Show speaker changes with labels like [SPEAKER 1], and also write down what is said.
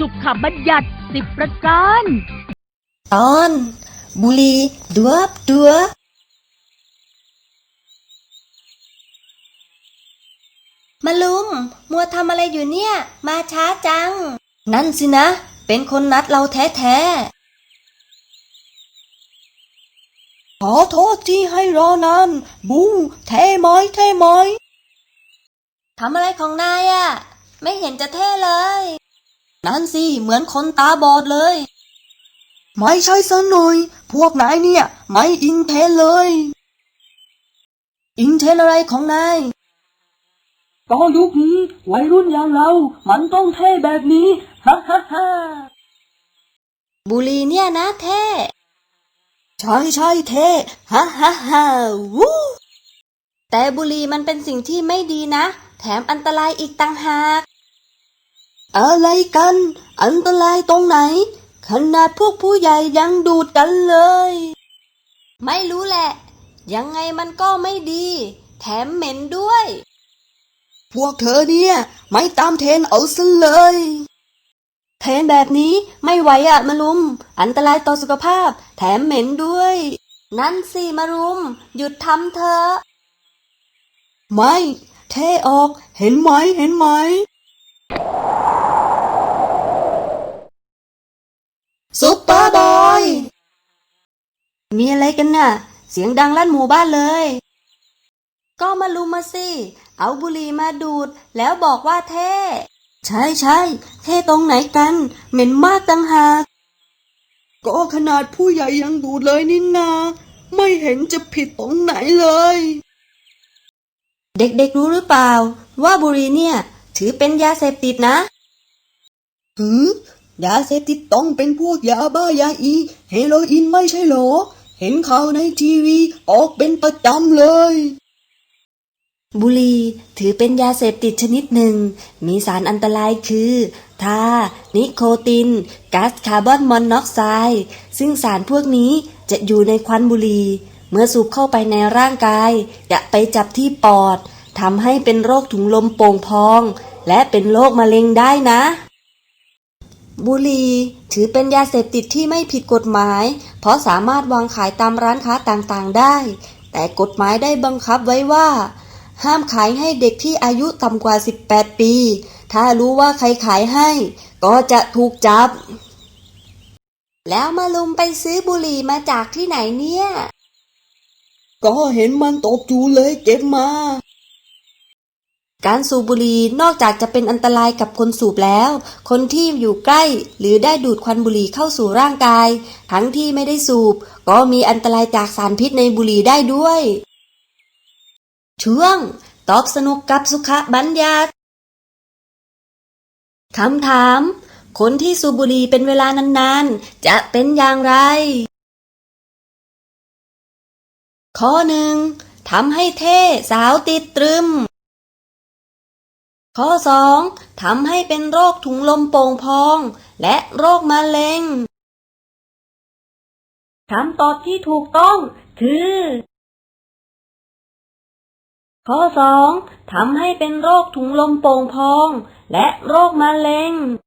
[SPEAKER 1] สุขบัญญัติ10 ประการ
[SPEAKER 2] ตอนบุหรี่ดัวบดัวมาลุมมัวทำอะไรอยู่เนี่ยมาช้าจังนั่นสินะเป็นคนนัดเราแท้ๆขอโทษที่ให้รอนานบูเท่ไหมเท่ไหมทำอะไรของนายอะไม่เห็นจะเท่เลยนั่นสิเหมือนคนตาบอดเลยไม่ใช่ซะหน่อยพวกนายเนี่ยไม่อินเทรนเลยอินเทรนอะไรของนายก็ยุคนี้วัยรุ่นอย่างเรามันต้องเท่แบบนี้ฮ่าฮ่าฮ่าบุหรี่เนี่ยนะเท่ใช่ใช่เท่ฮ่าฮ่าฮ่าวู้แต่บุหรี่มันเป็นสิ่งที่ไม่ดีนะแถมอันตรายอีกต่างหากอะไรกันอันตรายตรงไหนขนาดพวกผู้ใหญ่ยังดูดกันเลยไม่รู้แหละยังไงมันก็ไม่ดีแถมเหม็นด้วยพวกเธอเนี่ยไม่ตามเทรนเอาซะเลยเทรนแบบนี้ไม่ไหวอะมารุมอันตรายต่อสุขภาพแถมเหม็นด้วยนั่นสิมารุมหยุดทำเถอะไม่เท่ออกเห็นไหมเห็นไหมซุปเปอร์บอยมีอะไรกันน่ะเสียงดังลั่นหมู่บ้านเลยก็มาลุมมาสิเอาบุหรี่มาดูดแล้วบอกว่าเท่ใช่ใช่เท่ตรงไหนกันเหม็นมากต่างหากก็ขนาดผู้ใหญ่ยังดูดเลยนี่นาไม่เห็นจะผิดตรงไหนเลยเด็กๆรู้หรือเปล่าว่าบุหรี่เนี่ยถือเป็นยาเสพติดนะยาเสพติดต้องเป็นพวกยาบ้ายาอีเฮโรอีนไม่ใช่หรอเห็นข่าวในทีวีออกเป็นประจำเลยบุหรี่ถือเป็นยาเสพติดชนิดหนึ่งมีสารอันตรายคือทานิโคตินก๊าซคาร์บอนมอนอกไซด์ซึ่งสารพวกนี้จะอยู่ในควันบุหรี่เมื่อสูบเข้าไปในร่างกายจะไปจับที่ปอดทำให้เป็นโรคถุงลมโป่งพองและเป็นโรคมะเร็งได้นะบุหรี่ถือเป็นยาเสพติดที่ไม่ผิดกฎหมายเพราะสามารถวางขายตามร้านค้าต่างๆได้แต่กฎหมายได้บังคับไว้ว่าห้ามขายให้เด็กที่อายุต่ำกว่า18 ปีถ้ารู้ว่าใครขายให้ก็จะถูกจับแล้วมาลุมไปซื้อบุหรี่มาจากที่ไหนเนี่ยก็เห็นมันตกอยู่เลยเก็บมาการสูบบุหรี่นอกจากจะเป็นอันตรายกับคนสูบแล้วคนที่อยู่ใกล้หรือได้ดูดควันบุหรี่เข้าสู่ร่างกายทั้งที่ไม่ได้สูบก็มีอันตรายจากสารพิษในบุหรี่ได้ด้วยช่วงตอบสนุกกับสุขบัญญัติคำถามคนที่สูบบุหรี่เป็นเวลานานๆจะเป็นอย่างไรข้อ 1ทำให้เท่สาวติดตรึมข้อ 2ทำให้เป็นโรคถุงลมโป่งพองและโรคมะเร็งคำตอบที่ถูกต้องคือข้อ 2ทำให้เป็นโรคถุงลมโป่งพองและโรคมะเร็ง